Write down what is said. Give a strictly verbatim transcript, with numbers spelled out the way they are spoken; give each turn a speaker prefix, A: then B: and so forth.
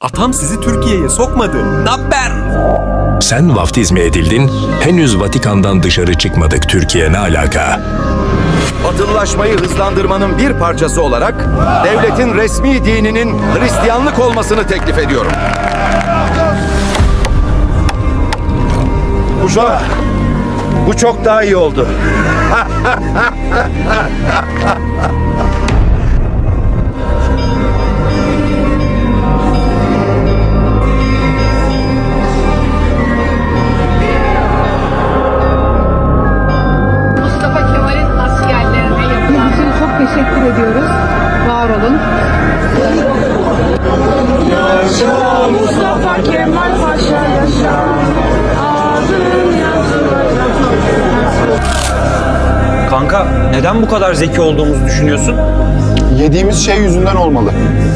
A: Atam sizi Türkiye'ye sokmadı. Napper!
B: Sen vaftizme edildin, henüz Vatikan'dan dışarı çıkmadık. Türkiye ne alaka?
C: Batılılaşmayı hızlandırmanın bir parçası olarak devletin resmi dininin Hristiyanlık olmasını teklif ediyorum. Bu çok, bu çok daha iyi oldu.
D: Mustafa Kemal'in askerlerine yapılan
E: Bizim için çok teşekkür ediyoruz. Var olun.
F: Yaşa Mustafa Kemal Paşa yaşa. Adın yazılacak.
G: Kanka neden bu kadar zeki olduğumuzu düşünüyorsun?
H: Yediğimiz şey yüzünden olmalı.